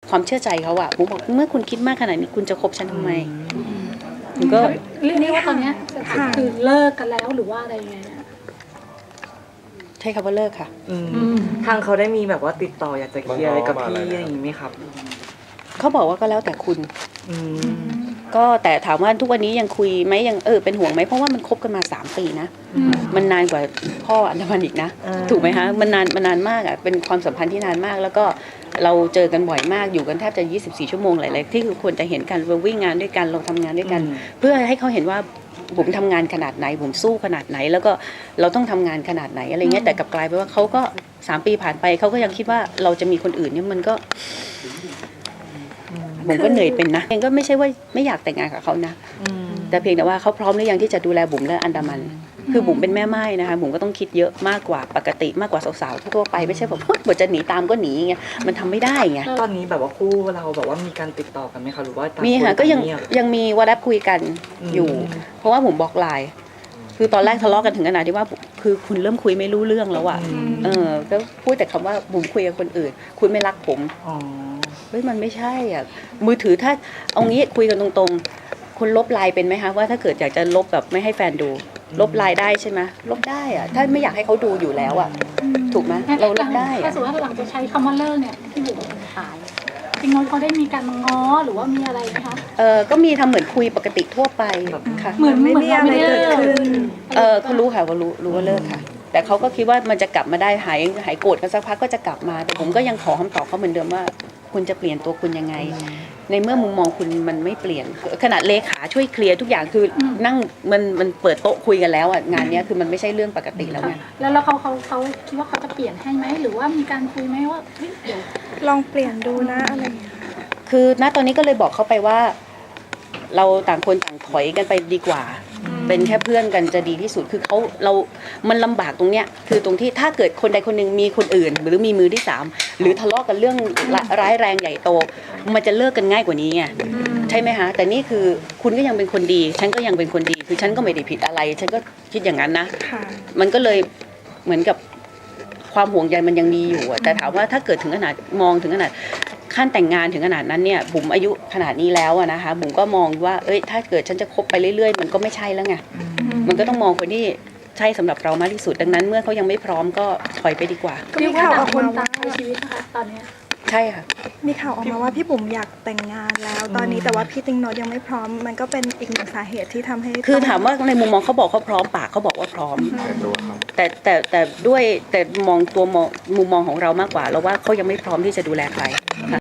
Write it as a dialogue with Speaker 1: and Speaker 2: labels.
Speaker 1: ความเชื่อใจเขาอะผมบอกเมื่อคุณคิดมากขนาดนี้คุณจะคบฉันทำไมผมก็
Speaker 2: เรียกว่าตอนนี้คือเลิกกันแล้วหรือว่าอะไรยังไงนะ
Speaker 1: ใช่คำว่าเลิกค่ะ
Speaker 3: ทางเขาได้มีแบบว่าติดต่ออยากจะเคลียร์อะไรกับพี่อย่างนี้ไหมครับ
Speaker 1: เขาบอกว่าก็แล้วแต่คุณ
Speaker 3: อืม
Speaker 1: ก็แต่ถามว่าทุกวันนี้ยังคุยไหมยังเป็นห่วงไหมเพราะว่ามันคบกันมา3 ปีนะมันนานกว่าพ่ออันดามันอีกนะถูกไหมคะมันนานมากอ่ะเป็นความสัมพันธ์ที่นานมาก แล้วก็เราเจอกันบ่อยมากอยู่กันแทบจะ24 ชั่วโมงหลายๆที่คือควรจะเห็นกันเราวิ่งงานด้วยกันเราทำงานด้วยกัน เพื่อให้เขาเห็นว่าผมทำงานขนาดไหนผมสู้ขนาดไหน แล้วก็เราต้องทำงานขนาดไหนอะไรเงี้ยแต่กลับกลายไปว่าเขาก็3 ปีผ่านไปเขาก็ยังคิดว่าเราจะมีคนอื่นเนี่ยมันก็ผมก็เหนื่อยเป็นนะเองก็ไม่ใช่ว่าไม่อยากแต่งงานกับเขานะแต่เพียงแต่ว่าเขาพร้อมหรือยังที่จะดูแลบุ๋มและอันดามันคือบุ๋มเป็นแม่ไม้นะคะบุ๋มก็ต้องคิดเยอะมากกว่าปกติมากกว่าสาวๆทั่วไปไม่ใช่แบบบทจะหนีตามก็หนีไงมันทำไม่ได้ไง
Speaker 3: ตอนนี้แบบว่าคู่เราแบบว่ามีการติดต่อกันไหมคะหรือว่าต่าง
Speaker 1: มีค่ะ
Speaker 3: น
Speaker 1: ก็ยัง
Speaker 3: ต่าเงีบ
Speaker 1: ยังมีวอทแอปคุยกันอยู่ เพราะว่าผมบล็อกไลน์คือตอนแรกทะเลาะกันถึงขนาดที่ว่าคือคุณเริ่มคุยไม่รู้เรื่องแล้วอ่ะก็พูดแต่คำว่าบุ๋มคุยกับคนอื่น คุณไม่รักผม
Speaker 3: อ๋อ
Speaker 1: เฮ้ยมันไม่ใช่อ่ะมือถือถ้าเอางี้คุยกันตรงๆคุณลบไลน์เป็นไหมคะว่าถ้าเกิดอยากจะลบแบบไม่ให้แฟนดู ลบไลน์ได้ใช่ไหมลบได้อ่ะถ้าไม่อยากให้เขาดูอยู่แล้วอ่ะถูกไหมเราลบได้
Speaker 2: ถ้า
Speaker 1: อ่ะ
Speaker 2: สมมติว่าหลังจะใช้คำว่าเลิกเนี่ยพี่บุ๋มตายจริงๆเขาได้มีการมาง้อหรือว่ามีอะไรไหมคะ
Speaker 1: ก็มีทำเหมือนคุยปกติทั่วไปค่ะ
Speaker 2: เหมือนไม่มีอะไรเกิดขึ้น
Speaker 1: เขารู้ค่ะว่ารู้ว่าเลิกค่ะ แต่เขาก็คิดว่ามันจะกลับมาได้หายโกรธกันสักพักก็จะกลับมาแต่ผมก็ยังขอคำตอบเขาเหมือนเดิมว่าคุณจะเปลี่ยนตัวคุณยังไง ในเมื่อมุมมองคุณมันไม่เปลี่ยนขนาดเลขาช่วยเคลียร์ทุกอย่างคือนั่งมันเปิดโต๊ะคุยกันแล้วอ่ะงานเนี้ยคือมันไม่ใช่เรื่องปกติแล้วไง
Speaker 2: แล้วเขาคิดว่าเขาจะเปลี่ยนให้ไหมหรือว่ามีการคุยไหมว่าเฮ้ยเดี๋ยว
Speaker 4: ลองเปลี่ยนดูนะอะไรอย่างเงี้ย
Speaker 1: คือณตอนนี้ก็เลยบอกเขาไปว่า เราต่างคนต่างถอยกันไปดีกว่า เป็นแค่เพื่อนกันจะดีที่สุดคือมันลำบากตรงเนี้ยคือตรงที่ถ้าเกิดคนใดคนหนึ่งมีคนอื่น หรือมีมือที่3หรือทะเลาะกันเรื่องร้ายแรงใหญ่โตมันจะเลิกกันง่ายกว่านี้ไงใช่ไหมคะแต่นี่คือคุณก็ยังเป็นคนดีฉันก็ยังเป็นคนดีคือฉันก็ไม่ได้ผิดอะไรฉันก็คิดอย่างนั้นนะ
Speaker 4: ค่ะ
Speaker 1: มันก็เลยเหมือนกับความห่วงใยมันยังมีอยู่อะแต่ถามว่าถ้าเกิดถึงขนาดมองถึงขนาดขั้นแต่งงานถึงขนาดนั้นเนี่ยบุ๋มอายุขนาดนี้แล้วอะนะคะบุ๋มก็มองว่าถ้าเกิดฉันจะคบไปเรื่อยๆมันก็ไม่ใช่แล้วไงมันก็ต้องมองคนที่ใช่สำหรับเรามากที่สุดดังนั้นเมื่อเขายังไม่พร้อมก็ถอยไปดีกว่า
Speaker 4: ก็มีข่าวออก
Speaker 2: คน
Speaker 4: มา
Speaker 2: ต่าง
Speaker 4: ว่า
Speaker 2: ใช้ชีวิตนะคะตอนเนี้ย
Speaker 1: ใช่ค่ะ
Speaker 4: มีข่าวออกมาว่าพี่บุ๋มอยากแต่งงานแล้ว ตอนนี้แต่ว่าพี่ติ๊งโนตยังไม่พร้อม มันก็เป็นอีกหนึ่งสาเหตุที่ทำให้
Speaker 1: คือ
Speaker 4: ต้อง
Speaker 1: ถามว่าในมุมมองเขาบอกเขาพร้อมปากเขาบอกว่าพร้อมแต่ด้วยแต่มุมมองของเรามากกว่าเราว่าเขายังไม่พร้อมที่จะดูแลใคร